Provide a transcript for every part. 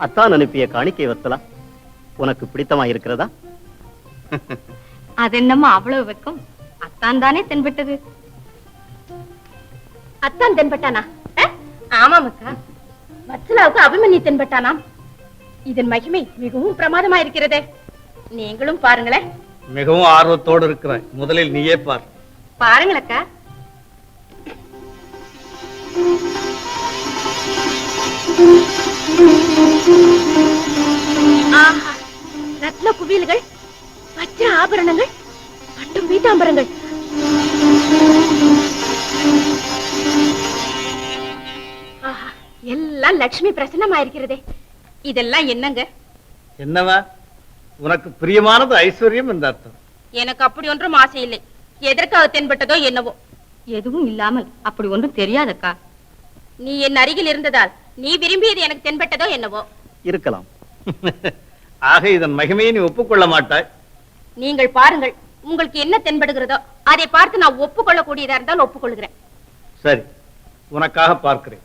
அத்தான் அனுப்பிய காணிக்கை வத்தலா உனக்கு பிடித்தமா இருக்கிறதா? அது என்னம்மா அவ்வளவு வெக்கம்? அத்தான் தானே தென்பட்டது. அத்தான் தென்பட்டானா? ஆமாம் அக்கா, வத்சலாவுக்கு அபிமன்யு தென்பட்டானாம். இதன் மகிமை மிகவும் பிரமாதமா இருக்கிறதே. நீங்களும் பாருங்களேன். மிகவும் ஆர்வத்தோடு இருக்கிறாய். முதலில் நீயே பார். பாருங்களக்கா. ஆஹா, ரத்ன குவியல்கள், வஜ்ர ஆபரணங்கள், பட்டும் பீதாம்பரங்கள். ஆஹா, எல்லாம் லட்சுமி பிரசன்னமாயிருக்கிறதே. இதெல்லாம் என்னங்க? என்னவா? உனக்கு பிரியமானது ஐஸ்வர்யம் என்ற அர்த்தம். எனக்கு அப்படி ஒன்றும் ஆசை இல்லை. எதற்காக தென்பட்டதோ என்னவோ. எதுவும் இல்லாமல் அப்படி ஒன்றும் தெரியாதக்கா. நீ என் அருகில் இருந்ததால் நீ விரும்பியது எனக்கு தென்பட்டதோ என்னவோ. இருக்கலாம். ஆக இதன் மகிமையை நீ ஒப்புக்கொள்ள மாட்டாய். நீங்கள் பாருங்கள், உங்களுக்கு என்ன தென்படுகிறதோ அதை பார்த்து நான் ஒப்புக்கொள்ளக்கூடியதா இருந்தால் ஒப்புக்கொள்கிறேன். சரி, உனக்காக பார்க்கிறேன்.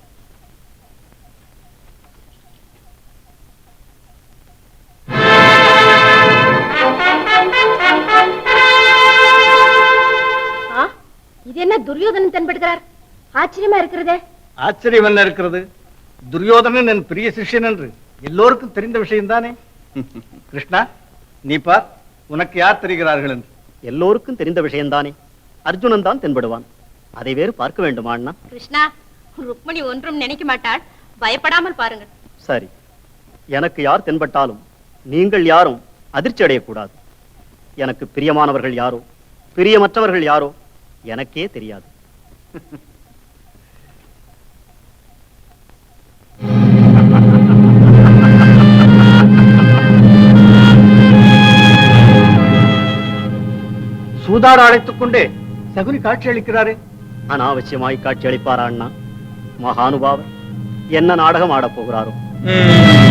இது என்ன துரியோதனன் தென்படுகிறார்? ஆச்சரியமா இருக்கிறதே. ஆச்சரியம் என்ன இருக்கிறது? துரியோதனன் என் பிரிய சிஷ்யன் என்று எல்லோருக்கும் தெரிந்த விஷயம் தானே. கிருஷ்ணா, நீ பார், உனக்கு யார் தெரிகிறார்கள் என்று. எல்லோருக்கும் தெரிந்த விஷயம்தானே. அர்ஜுனன் தான் தென்படுவான். அதை வேறு பார்க்க வேண்டுமா அண்ணா? கிருஷ்ணா, ருக்மணி ஒன்றும் நினைக்க மாட்டாள். பயப்படாமல் பாருங்கள். சரி, எனக்கு யார் தென்பட்டாலும் நீங்கள் யாரும் அதிர்ச்சி அடையக்கூடாது. எனக்கு பிரியமானவர்கள் யாரோ பிரியமற்றவர்கள் யாரோ எனக்கே தெரியாது. சூதாட அழைத்துக் கொண்டே சகுனி காட்சி அளிக்கிறாரே. அனாவசியமாய் காட்சி அளிப்பாரா அண்ணா? மகானுபாவர் என்ன நாடகம் ஆடப் போகிறாரோ?